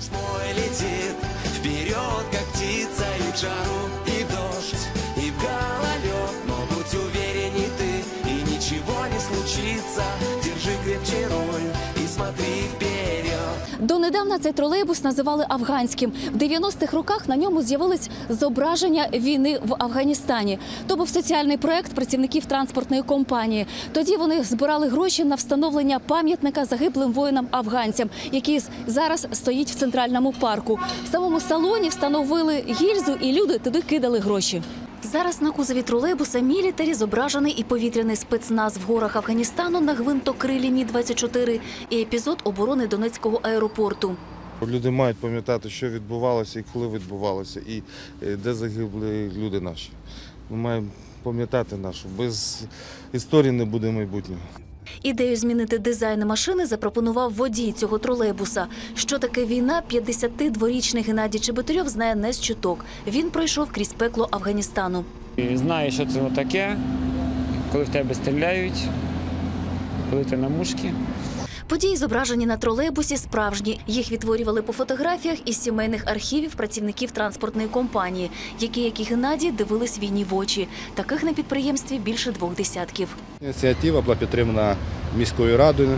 мой летит вперед, как птица, и в жару, и в дождь, и в гололед. Но будь уверен и ты, и ничего не случится. Держи крепче руль и смотри вперед. Донедавна цей тролейбус називали афганським. В 90-х роках на ньому з'явились зображення війни в Афганістані. То був соціальний проект працівників транспортної компанії. Тоді вони збирали гроші на встановлення пам'ятника загиблим воїнам-афганцям, який зараз стоїть в Центральному парку. В самому салоні встановили гільзу, і люди туди кидали гроші. Зараз на кузові тролейбуса «Мілітарі» зображений і повітряний спецназ в горах Афганістану на гвинтокрилі Мі-24 і епізод оборони Донецького аеропорту. Люди мають пам'ятати, що відбувалося і коли відбувалося, і де загибли люди наші. Ми маємо пам'ятати нашу. Без історії не буде майбутнього. Ідею змінити дизайн машини запропонував водій цього тролейбуса. Що таке війна, 52-річний Геннадій Чеботарьов знає не з чуток. Він пройшов крізь пекло Афганістану. Знаю, що це таке, коли в тебе стріляють, коли ти на мушці. Події, зображені на тролейбусі, справжні. Їх відтворювали по фотографіях із сімейних архівів працівників транспортної компанії, які, як і Геннадій, дивились війні в очі. Таких на підприємстві більше 2 десятків. Ініціатива була підтримана міською радою.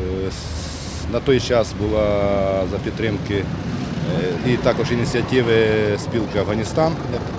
На той час була за підтримки і також ініціативи спілки «Афганістан».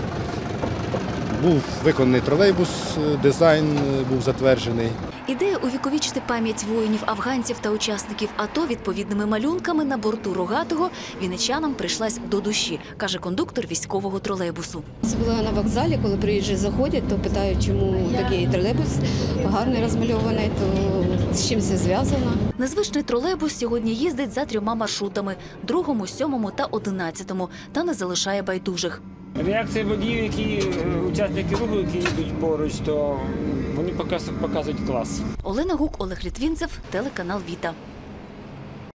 Був виконаний тролейбус, дизайн був затверджений. Ідея увіковічити пам'ять воїнів-афганців та учасників АТО відповідними малюнками на борту «Рогатого» вінничанам прийшлась до душі, каже кондуктор військового тролейбусу. Особливо на вокзалі, коли приїжджі заходять, то питають, чому такий тролейбус гарний розмальований, то з чим це зв'язано. Незвичний тролейбус сьогодні їздить за 3 маршрутами – 2, 7 та 11, та не залишає байдужих. Реакція водіїв, які учасники руху, які йдуть поруч, то вони показують клас. Олена Гук, Олег Літвінцев, телеканал «Віта».